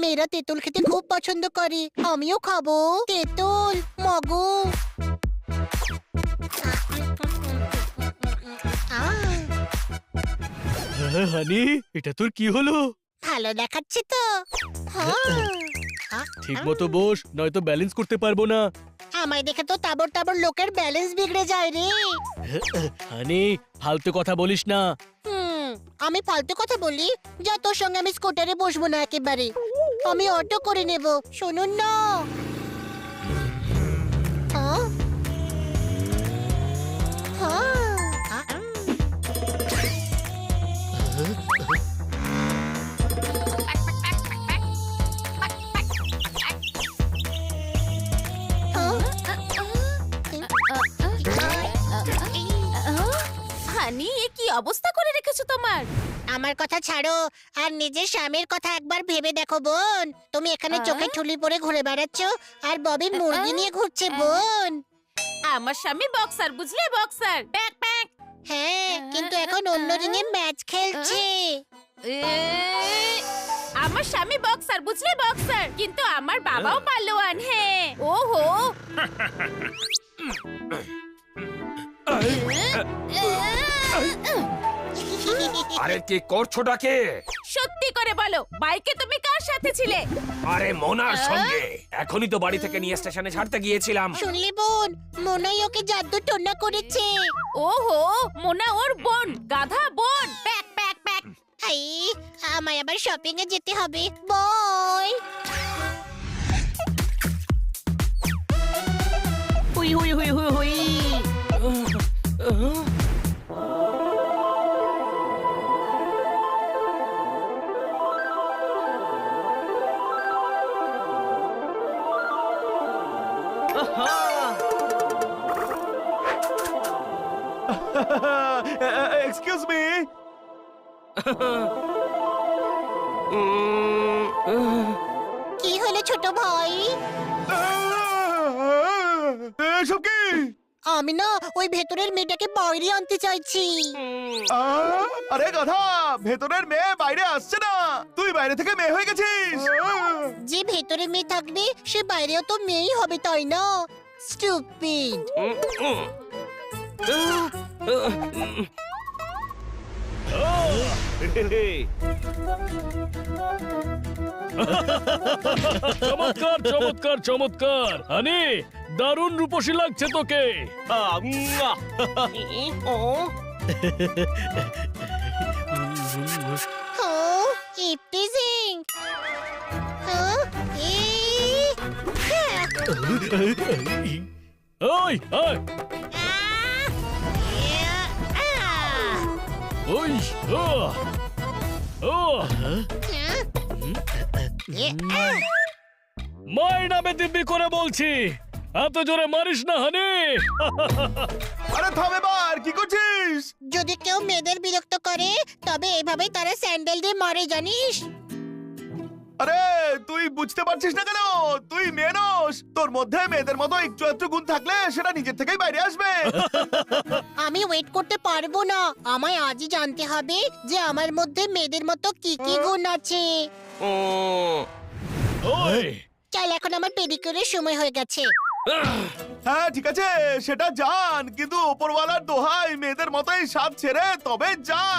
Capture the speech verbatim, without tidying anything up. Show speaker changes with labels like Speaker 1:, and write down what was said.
Speaker 1: মেয়েরা তেঁতুল খেতে খুব পছন্দ করে। আমিও খাবো তেঁতুল মগু।
Speaker 2: হানি, এটা তোর কি হলো?
Speaker 1: ভালো দেখাচ্ছে তো।
Speaker 2: ঠিক মতো বস, নয়তো ব্যালেন্স করতে পারবো না।
Speaker 1: আমায় দেখে তো তাবর তাবর লোকের ব্যালেন্স বিগড়ে যায় রে।
Speaker 2: হানি, ফালতু কথা বলিস না।
Speaker 1: হুম, আমি ফালতু কথা বলি? যা, তোর সঙ্গে আমি স্কুটারে বসবো না একেবারে। আমি অটো করে নেব, শুনুন না। হ্যাঁ? হ্যাঁ।
Speaker 3: হানি, এ কি অবস্থা করে রেখেছো তোমার?
Speaker 1: আমার কথা ছাড়ো, আর নিজের স্বামীর কথা একবার ভেবে দেখো বোন। তুমি এখানে চোখে ঠুলি পরে ঘুরে বেড়াচ্ছ, আর ববি মুরগি নিয়ে ঘুরছে বোন।
Speaker 3: আমার স্বামী বক্সার, বুঝলে, বক্সার। Pack pack.
Speaker 1: হ্যাঁ, কিন্তু এখন অন্য রিংয়ে ম্যাচ খেলছে।
Speaker 3: এ, আমার স্বামী বক্সার, বুঝলে, বক্সার, কিন্তু আমার বাবাও পালোয়ান। হ্যাঁ, ওহো।
Speaker 4: আরে কি করছোটা কে?
Speaker 3: সত্যি করে বলো, বাইকে তুমি কার সাথে ছিলে?
Speaker 4: আরে মোনার সঙ্গে। এখনই তো বাড়ি থেকে নিয়ে স্টেশনে ছাড়তে গিয়েছিলাম।
Speaker 1: শুনলি বোন, মনাই ওকে জাদু টোনা করেছে।
Speaker 3: ওহো, মোনা ওর বোন, গাধা বোন। Pack pack pack.
Speaker 1: হাই, আমায় আবার শপিং এ যেতে হবে। বয়।
Speaker 5: হুই হুই হুই হুই হুই।
Speaker 2: Excuse me.
Speaker 1: কি হলো ছোট ভাই?
Speaker 2: এসব কি?
Speaker 1: আমি না ওই ভেতরের মেয়েটাকে বাইরে আনতে চাইছি।
Speaker 2: আরে গাধা, ভেতরের মেয়ে বাইরে আসছে না, তুই বাইরে থেকে মেয়ে হয়ে গেছিস।
Speaker 1: যে ভেতরে মেয়ে থাকবে সে বাইরেও তো মেয়েই হবে, তাই না? স্টুপিড।
Speaker 2: চমৎকার চমৎকার চমৎকার। হানি, দারুণ রূপসী লাগছে তোকে।
Speaker 1: Oh, eve teasing. হ্যাঁ? ই হ্যাঁ।
Speaker 2: ওই ওই
Speaker 1: আহ! ইয়া! আহ!
Speaker 2: ওই ও ও
Speaker 1: হ্যাঁ? ইয়ে! আহ!
Speaker 2: মায়ের নামে দিব্যি করে বলছি, এত জোরে মারিস না হানি। আরে থাম এবার, কি করছিস?
Speaker 1: যদি কেউ মেয়েদের বিরক্ত করে তবে এভাবেই তারা স্যান্ডেল দিয়ে মারে, জানিস?
Speaker 6: আরে তুই বুঝতে পারছিস না কেন? তুই মেয়ে নস, তোর মধ্যে মেয়েদের মতো একটু একটু গুণ থাকলে সেটা নিজের থেকেই বাইরে আসবে।
Speaker 1: আমি ওয়েট করতে পারবো না, আমায় আজই জানতে হবে যে আমার মধ্যে মেয়েদের মতো কি কি গুণ আছে।
Speaker 2: ওই
Speaker 1: চল, এখন আমার পেডিকিউরের সময় হয়ে গেছে।
Speaker 6: হ্যাঁ ঠিক আছে, সেটা জান, কিন্তু ওপরওয়ালার দোহাই মেয়েদের মতোই সাত ছেড়ে তবে যা।